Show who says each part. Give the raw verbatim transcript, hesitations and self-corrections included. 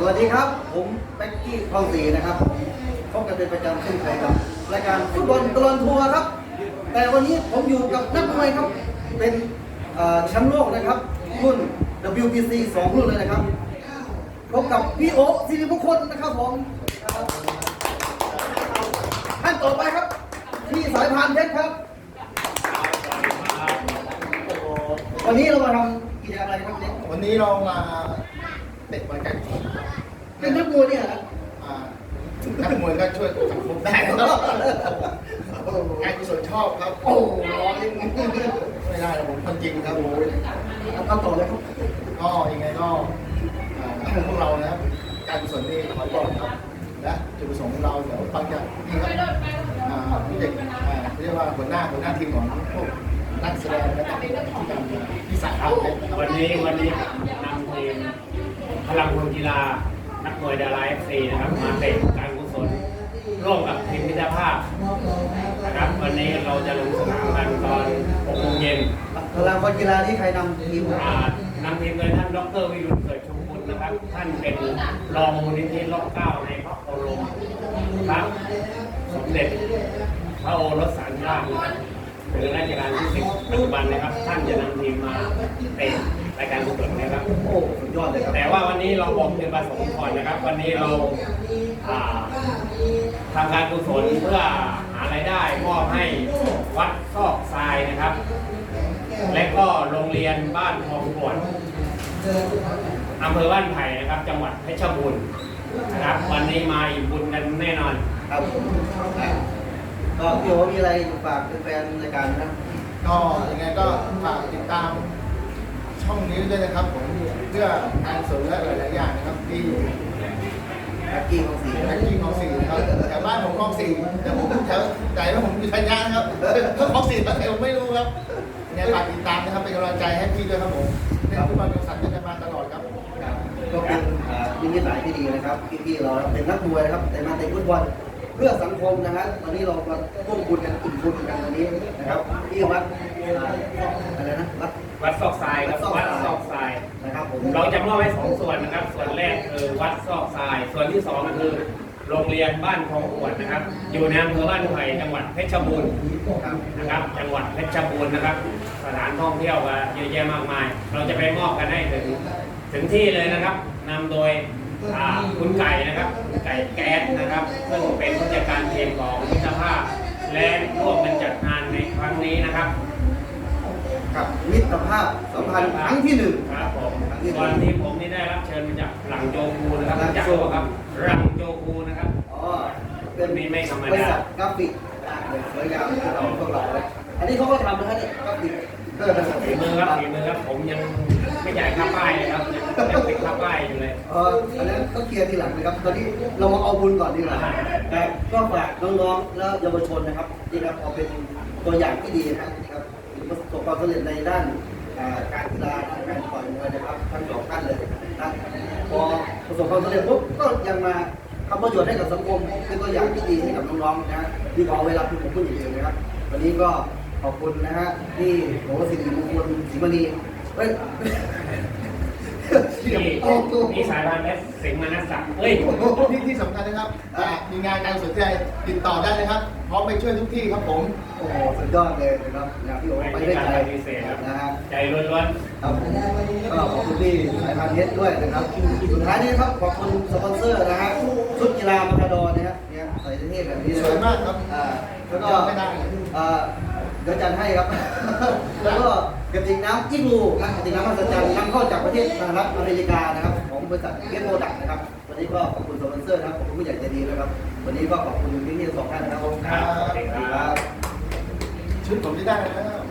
Speaker 1: วัสดีครับผมแบ็กกี้คลองศรีนะครับพบกันเป็นประจำเช่นเคยกับรายการฟุตบอลตลอดทัวร์ครับแต่วันนี้ผมอยู่กับนักมวยครับเป็นแชมป์โลกนะครับรุ่น ดับเบิลยู บี ซี สองรุ่นเลยนะครับพบกับพี่โอ๊คศิริมงคลนะครับผมท่านต่อไปครับพี่สายพานเพชรครับวันนี้เรามาทำกิจกรรมอะไรครับเนี่ย
Speaker 2: วันนี้เรามาเตะบอลกัน
Speaker 1: เป็นนักมวยเนี่ยนะ
Speaker 2: นักมวยก็ช่วยสังคมได้ครับงานกุศลชอบครับ
Speaker 1: โอ้ร้อน
Speaker 2: ไม่ได้ผมคนจริงครับโอ้ย
Speaker 1: ทำต่อเลยครับ
Speaker 2: ก็ยังไงก็พวกเรานะครับการกุศลนี่ขอบอกครับและจุดประสงค์ของเราเดี๋ยวฟังจากนี่ครับพี่เด็กเรียกว่าหัวหน้าหัวหน้าทีมของพวกนักแสดงและที่ทำที่สายครับ
Speaker 3: วันนี้วันนี้นำทีมพลังคนกีฬานักมวยดาราเอฟซีนะครับมาเตะการกุศลร่วมกับทีมมิตรภาพนะครับวันนี้เราจะลงสนามกันตอนหกโมงเย็น
Speaker 1: พลังคนกีฬาที่ใครนำทีม
Speaker 3: นำทีมโดยท่านดร.วิรุณเกิดชมบุตรนะครับท่านเป็นรองมูลนิธิล็อกเก้าในพระโอรสครับสมเด็จพระโอรสสารราชหรือราชการที่สิบปัจจุบันนะครับท่านจะนำทีมมาเตะรายการกุศลนะครับ
Speaker 1: โอ้สุดยอดเลยครับ
Speaker 3: แต่ว่าวันนี้เราบอกเป็นประสงค์ก่อนนะครับวันนี้เราทำการกุศลเพื่อหารายได้มอบให้วัดซอกทรายนะครับและก็โรงเรียนบ้านทองกวนอำเภอบ้านไผ่นะครับจังหวัดเพชรบูรณ์นะครับวันนี้มาอิ่มบุญกันแน่นอน
Speaker 1: ครับก็พี่โอมีอะไรฝากแฟนรายการนะ
Speaker 2: ก็ยังไงก็ฝากติดตามช่องนี้ด้วยนะครับผมเพื่อการสนและหลายๆอย่างนะครับที่
Speaker 1: แบ็กกี้ของสี
Speaker 2: แบ็กกี้ของสีครับแถวบ้านผมคลองสีแต่ผมแถวใจว่าผมอยู่ชัยนาทครับก็คลองสีแต่ผมไม่รู้ครับเนี่ยฝากติดตามนะครับเป็นกำลังใจให้พี่ด้วยครับผมเล่นฟุตบอลกับสัตว์จะมาตลอดครับ
Speaker 1: ก็เป็นนิมิตหมายที่ดีนะครับพี่ๆเราเป็นนักมวยนะครับแต่มาเตะฟุตบอลเพื่อสังคมนะฮะตอนนี้เรามาร่วมบุญกันอิ่มบุญกันตอนนี้นะครับที่วัดอะไรนะวัด
Speaker 3: วัดซอกทรายครับวัดซอกทราย
Speaker 1: นะครับผม
Speaker 3: เราจะมอบไว้สองส่วนนะครับส่วนแรกคือวัดซอกทรายส่วนที่สองคือโรงเรียนบ้านคลองขวดนะครับอยู่ในอำเภอบ้านไผ่จังหวัดเพชรบูรณ์นะครับจังหวัดเพชรบูรณ์นะครับสถานท่องเที่ยวก็เยอะแยะมากมายเราจะไปมอบกันให้ถึงถึงที่เลยนะครับนำโดยคุณไก่นะครับไก่แก๊สนะครับซึ่งเป็นผู้จัดการทีมของมิตรภาพและร่วมกันจัดงานในครั้งนี้นะครับ
Speaker 1: ครับมิตรภาพสัมพันธ์ครั้งที่หนึ่ง
Speaker 3: ครับผมตอนที่ผมนี่ได้รับเชิญมาจากหลังโจคูนะครับจากตัวครับหลังโจคูนะครับ
Speaker 1: อ๋อเป็น
Speaker 3: มีไม่ธรรมดา
Speaker 1: บริษัทกราฟิกสวยงามเราพวกเราเลยอันนี้เขาก็ทำนะฮะเนี่ยกราฟิก
Speaker 3: เออฝีมือครับฝีมือครับผมยังไม่ใหญ่ค่าป้ายเลยครับยังติดค่าป้ายอยู่เลย
Speaker 1: เอออันนั้นก็เคลียร์ทีหลังนะครับตอนนี้เรามาเอาบุญก่อนดีกว่าแต่ก็ฝากน้องๆและเยาวชนนะครับที่ครับเอาเป็นตัวอย่างที่ดีนะครับประสบความสำเร็จในด้านการกีฬาการต่อยมวยนะครับทั้งสองท่านเลยนะพอประสบความสำเร็จปุ๊บก็ยังมาทำประโยชน์ให้กับสังคมเป็นตัวอย่างที่ดีให้กับน้องๆนะที่ขอเวลาคุณผมพูดอย่างเดียวนะครับวันนี้ก็ขอบคุณนะฮะที่โหสิริมงคลศรีมณีเฮ้ย
Speaker 3: มีสายพันธุ์เพชรสิงห์มนัสสักเฮ้ย
Speaker 2: ที่ที่สำคัญนะครับมีงานการสนใจติดต่อได้เลยครับพร้อมไปช่วยทุกที่ครับผม
Speaker 1: โอ้โหสุดยอดเลยนะครับงานที่โอ้ไปได้ใจ
Speaker 3: นะฮะใจล้วน
Speaker 1: ๆครับผมก็ขอบคุณที่สายพันธุ์เพชรด้วยนะครับสุดท้ายนี้ครับขอบคุณสปอนเซอร์นะฮะชุดกีฬามาคาดอนนะครับเนี่ยใส่เท่แบบนี้
Speaker 2: สวยมากครับ
Speaker 1: อ่าแล้วก็อ่าเดี๋ยวจัดให้ครับแล้วก็กระติกน้ำอิงูนะกระติกน้ำมหัศจรรย์นำเข้าจากประเทศสหรัฐอเมริกานะครับของบริษัทเกสโมดักนะครับวันนี้ก็ขอบคุณสปอนเซอร์นะครับขอบคุณผู้ใหญ่ใจดีนะครับวันนี้ก็ขอบคุณพี่ๆสองท่านนะครับ
Speaker 3: ครับ
Speaker 1: ชุ
Speaker 2: ดผมที่ได้แล้ว